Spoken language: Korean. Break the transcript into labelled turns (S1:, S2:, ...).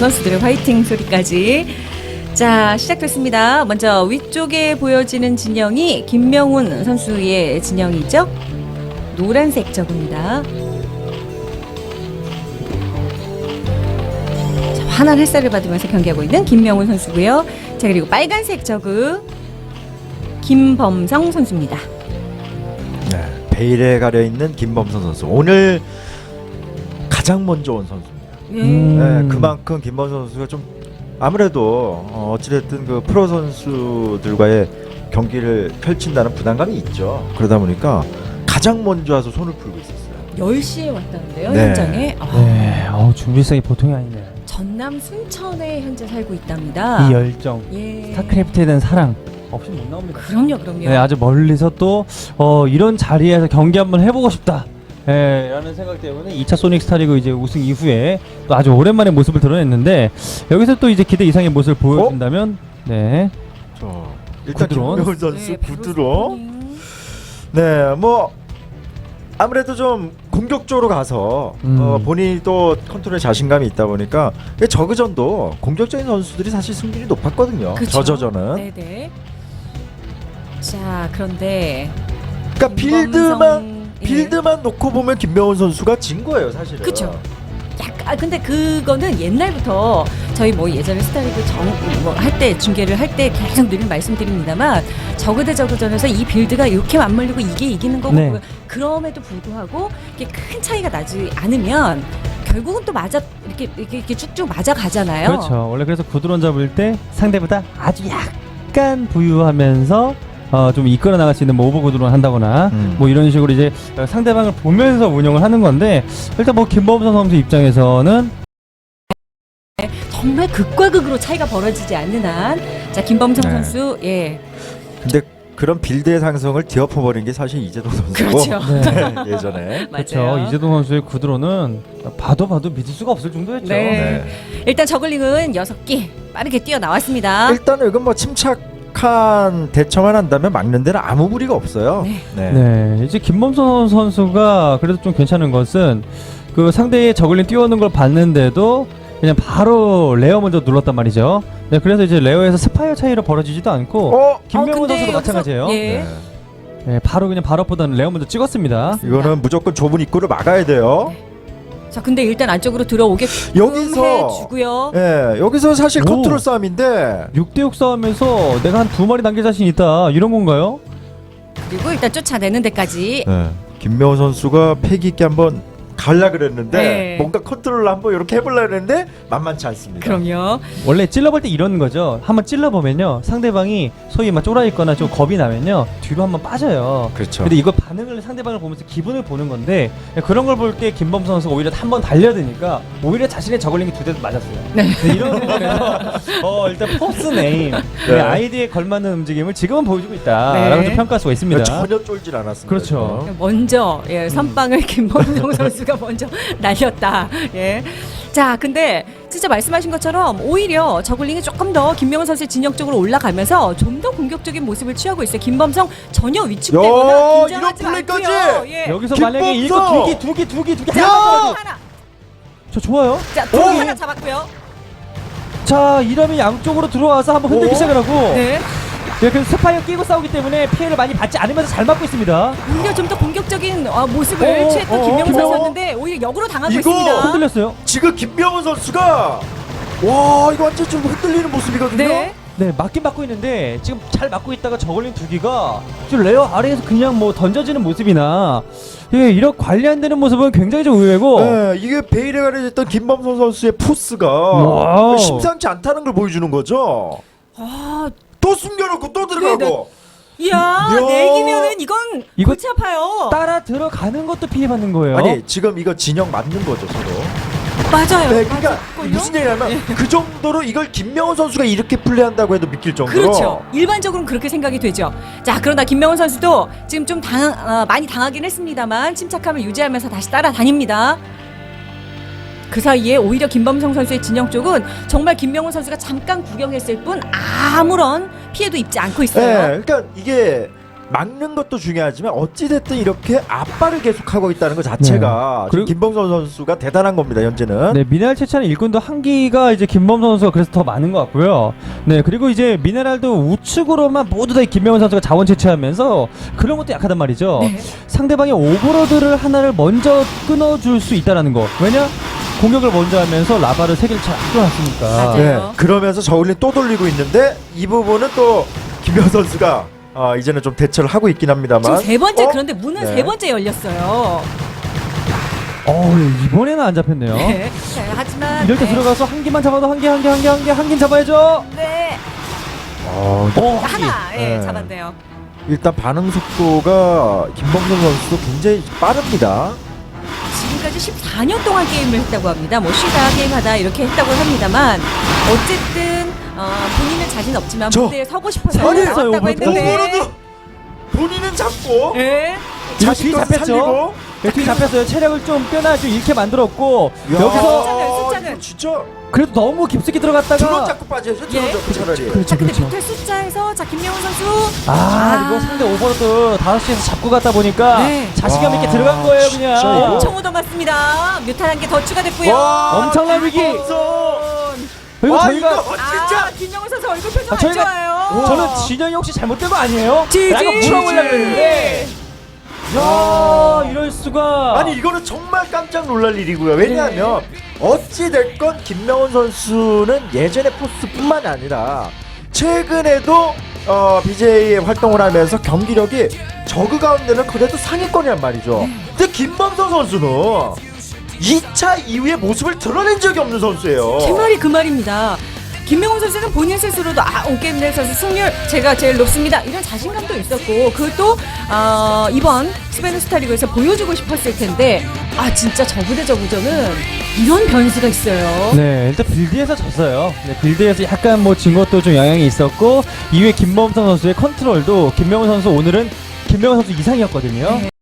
S1: 선수들의 화이팅 소리까지. 자, 시작됐습니다. 먼저 위쪽에 보여지는 진영이 김명훈 선수의 진영이죠. 노란색 저그입니다. 자, 환한 햇살을 받으면서 경기하고 있는 김명훈 선수고요. 자, 그리고 빨간색 저그 김범성 선수입니다.
S2: 네, 베일에 가려 있는 김범선 선수. 오늘 가장 먼저 온 선수입니다. 네, 그만큼 김범선 선수가 좀 아무래도 어찌됐든 그 프로 선수들과의 경기를 펼친다는 부담감이 있죠. 그러다 보니까 가장 먼저 와서 손을 풀고 있었어요.
S1: 10시에 왔다는데요,
S2: 네.
S1: 현장에.
S3: 네, 준비성이 보통이 아니네요.
S1: 전남 순천에 현재 살고 있답니다.
S3: 이 열정,
S1: 예.
S3: 스타크래프트에 대한 사랑 없이 못 나옵니다.
S1: 그럼요.
S3: 네, 아주 멀리서 또 이런 자리에서 경기 한번 해보고 싶다. 라는 생각 때문에 2차 소닉 스타리그 이제 우승 이후에 또 아주 오랜만에 모습을 드러냈는데 여기서 또 이제 기대 이상의 모습을 보여준다면 네.
S2: 일단
S3: 구드론.
S2: 김명훈 선수
S1: 네,
S2: 구드론. 네, 뭐 아무래도 좀 공격적으로 가서 본인이 또 컨트롤에 자신감이 있다 보니까 저그전도 공격적인 선수들이 사실 승률이 높았거든요.
S1: 그쵸?
S2: 저저전은.
S1: 네네. 자, 그런데
S2: 그러니까 빌드만 놓고 보면 김명훈 선수가 진 거예요, 사실은.
S1: 그쵸. 약간 근데 그거는 옛날부터 저희 뭐 예전에 스타리그 할 때 중계를 할 때 계속 늘 말씀드립니다만 저그 대 저그전에서 이 빌드가 이렇게 맞물리고 이게 이기는 거고
S3: 네.
S1: 그럼에도 불구하고 이게 큰 차이가 나지 않으면 결국은 또 이렇게 쭉쭉 맞아 가잖아요.
S3: 그렇죠. 원래 그래서 구드론 잡을 때 상대보다 아주 약간 부유하면서 좀 이끌어 나갈 수 있는 뭐 오버 구드론 한다거나 뭐 이런 식으로 이제 상대방을 보면서 운영을 하는 건데 일단 뭐 김범선 선수 입장에서는
S1: 정말 극과 극으로 차이가 벌어지지 않는 한, 자 김범성
S2: 네.
S1: 선수, 예,
S2: 근데 그런 빌드의 상승을 뒤엎어버린 게 사실 이재동 선수고.
S1: 그렇죠.
S2: 네, 예전에.
S3: 그렇죠.
S1: 맞아요.
S3: 이재동 선수의 구드론은 봐도 믿을 수가 없을 정도였죠.
S1: 네. 일단 저글링은 6개 빠르게 뛰어 나왔습니다.
S2: 일단은 이건 뭐 침착한 대처만 한다면 막는 데는 아무 무리가 없어요.
S1: 네.
S3: 네, 이제 김범선 선수가 그래도 좀 괜찮은 것은 그 상대의 저글링 뛰어오는 걸 봤는데도 그냥 바로 레어 먼저 눌렀단 말이죠. 네, 그래서 이제 레어에서 스파이어 차이로 벌어지지도 않고 김명훈
S1: 근데
S3: 선수도
S1: 여기서-
S3: 마찬가지예요.
S1: 예.
S2: 네.
S3: 네, 바로 그냥 바로보다는 레어 먼저 찍었습니다.
S2: 이거는 무조건 좁은 입구를 막아야 돼요.
S1: 자 근데 일단 안쪽으로 들어오게
S2: 여기서
S1: 해주고요.
S2: 예, 여기서 사실
S3: 오.
S2: 컨트롤 싸움인데
S3: 6대6 싸움에서 내가 한 2마리 남길 자신 있다 이런 건가요?
S1: 그리고 일단 쫓아내는 데까지.
S2: 김명훈 선수가 패기 있게 한번 갈라 그랬는데
S1: 네.
S2: 뭔가 컨트롤을 한번 이렇게 해보려 했는데 만만치 않습니다.
S1: 그럼요.
S3: 원래 찔러볼 때 이런 거죠. 한번 찔러보면요 상대방이 소위 막 쫄아있거나 좀 겁이 나면요 뒤로 한번 빠져요.
S2: 그렇죠.
S3: 근데 이거 반응을 상대방을 보면서 기분을 보는 건데 그런 걸 볼 때 김범선 선수가 오히려 한 번 달려드니까 오히려 자신의 저글링이 2대 맞았어요.
S1: 네.
S3: 이런 부분에서 일단 포스 네임
S2: 네.
S3: 아이디에 걸맞는 움직임을 지금은 보여주고 있다라고
S1: 네.
S3: 좀 평가할 수가 있습니다.
S2: 전혀 쫄질 않았습니다.
S3: 그렇죠.
S2: 지금.
S1: 먼저 선빵을 김범성 선수가 먼저 날렸다. 예. 자, 근데 진짜 말씀하신 것처럼 오히려 저글링이 조금 더 김명훈 선수의 진영 쪽으로 올라가면서 좀 더 공격적인 모습을 취하고 있어요. 김범성 전혀 위축되거나 긴장하지
S2: 이런 플레이까지!
S1: 않고요. 예.
S3: 여기서
S2: 김범선!
S3: 만약에 이거 두 개
S1: 자,
S3: 하나
S1: 하나.
S3: 저 좋아요.
S1: 자, 두 개 하나 잡았고요.
S3: 자 이러면 양쪽으로 들어와서 한번 흔들기
S2: 오.
S3: 시작을 하고
S1: 네.
S3: 네, 그래서 스파이어 끼고 싸우기 때문에 피해를 많이 받지 않으면서 잘 막고 있습니다.
S1: 오히려 좀 더 공격적인 모습을
S3: 어,
S1: 취했던
S3: 어,
S1: 김명훈
S3: 김명훈.
S1: 선수였는데 오히려 역으로 당하고
S2: 이거
S1: 있습니다.
S3: 흔들렸어요.
S2: 지금 김명훈 선수가 와 이거 완전 좀 흔들리는 모습이거든요.
S1: 네.
S3: 네, 맞긴 맞고 있는데 지금 잘 맞고 있다가 저걸린 두 기가 지금 레어 아래에서 그냥 뭐 던져지는 모습이나 예, 이런 관리 안 되는 모습은 굉장히 좀 의외고
S2: 네, 이게 베일에 가려졌던 김범선 선수의 포스가
S3: 와우.
S2: 심상치 않다는 걸 보여주는 거죠.
S1: 아,
S2: 또 숨겨놓고 또 들어가고.
S1: 이야,
S2: 이야.
S1: 내기면은 이건
S3: 이거
S1: 골치 아파요.
S3: 따라 들어가는 것도 피해받는 거예요.
S2: 아니 지금 이거 진영 맞는 거죠 서로.
S1: 맞아요.
S2: 네, 그러니까
S1: 맞을걸요?
S2: 무슨 얘기냐면 그 정도로 이걸 김명훈 선수가 이렇게 플레이한다고 해도 믿길 정도로.
S1: 그렇죠. 일반적으로는 그렇게 생각이 되죠. 자, 그러나 김명훈 선수도 지금 좀 많이 당하긴 했습니다만 침착함을 유지하면서 다시 따라다닙니다. 그 사이에 오히려 김범성 선수의 진영 쪽은 정말 김명훈 선수가 잠깐 구경했을 뿐 아무런 피해도 입지 않고
S2: 네,
S1: 있어요.
S2: 그러니까 이게 막는 것도 중요하지만 어찌됐든 이렇게 압박을 계속하고 있다는 것 자체가
S3: 네. 그리고-
S2: 김범선 선수가 대단한 겁니다. 현재는.
S3: 네, 미네랄 채취하는 일꾼도 한기가 이제 김범선 선수가 그래서 더 많은 것 같고요. 네, 그리고 이제 미네랄도 우측으로만 모두 다 김명훈 선수가 자원 채취하면서 그런 것도 약하단 말이죠.
S1: 네.
S3: 상대방의 오버로드를 하나를 먼저 끊어줄 수 있다라는 거. 왜냐? 공격을 먼저 하면서 라바를 3개를 잘 안 끊어놨으니까.
S1: 맞아요.
S2: 네. 그러면서 저울링 또 돌리고 있는데 이 부분은 또 김명훈 선수가 이제는 좀 대처를 하고 있긴 합니다만.
S1: 지금 세 번째 그런데 문은
S2: 네.
S1: 세 번째 열렸어요.
S3: 이번에는 안 잡혔네요.
S1: 네. 자, 하지만
S3: 이럴 때
S1: 네.
S3: 들어가서 한 개만 잡아도 한 개 잡아야죠.
S1: 네.
S2: 어,
S1: 하나 예,
S2: 네.
S1: 잡았네요.
S2: 일단 반응 속도가 김범선 선수도 굉장히 빠릅니다.
S1: 지금까지 14년 동안 게임을 했다고 합니다. 뭐 쉬다 게임하다 이렇게 했다고 합니다만 어쨌든 본인은 자신 없지만
S2: 저-
S1: 무대에 서고 싶어서
S3: 잘했어요,
S1: 나왔다고
S3: 오버로드.
S1: 했는데
S2: 오버로드 본인은 잡고
S1: 예.
S3: 이거
S2: 자신
S3: 뒤
S2: 거
S3: 잡혔죠?
S2: 살리고.
S3: 네, 뒤 잡혔어요. 체력을 좀 빼나 좀 잃게 만들었고
S2: 야,
S3: 여기서
S1: 숫자는.
S2: 이거 진짜
S3: 그래도 너무 깊숙이
S2: 드론
S3: 들어갔다가
S2: 잡고 빠져야죠.
S1: 예.
S2: 드론 잡고 차라리.
S3: 그렇죠,
S1: 자, 근데
S3: 그렇죠.
S1: 밑에 숫자에서 자 김명훈 선수
S3: 이거 상대 오버로드 5시에서 잡고 갔다 보니까
S1: 네.
S3: 자신감 있게
S2: 와,
S3: 들어간 거예요, 그냥.
S2: 진짜 이거.
S1: 엄청 얻어맞습니다. 뮤탄 한 개 더 추가됐고요.
S2: 와,
S3: 엄청난 위기. 그리고
S2: 와,
S3: 저희가
S2: 이거 진짜
S1: 김명훈 선수 얼굴 표정 안
S3: 저희가-
S1: 좋아요.
S3: 저는 진영이 혹시 잘못된 거 아니에요?
S1: 지지.
S3: 라고 물어보려고 그랬는데 야, 이럴 수가.
S2: 아니 이거는 정말 깜짝 놀랄 일이고요. 왜냐하면 어찌 됐건 김명훈 선수는 예전의 포스뿐만 아니라 최근에도 BJ에 활동을 하면서 경기력이 저그 가운데는 그래도 상위권이란 말이죠. 근데 김범선 선수는 2차 이후의 모습을 드러낸 적이 없는 선수예요.
S1: 제 말이 그 말입니다. 김명훈 선수는 본인 스스로도 온게임 내에서 승률 제가 제일 높습니다. 이런 자신감도 있었고 그것도 이번 스페인 스타리그에서 보여주고 싶었을 텐데 진짜 저그 대 저그전은 이런 변수가 있어요.
S3: 네, 일단 빌드에서 졌어요. 네, 빌드에서 약간 뭐 진 것도 좀 영향이 있었고 이후에 김범선 선수의 컨트롤도 김명훈 선수 오늘은 김명훈 선수 이상이었거든요.
S1: 네.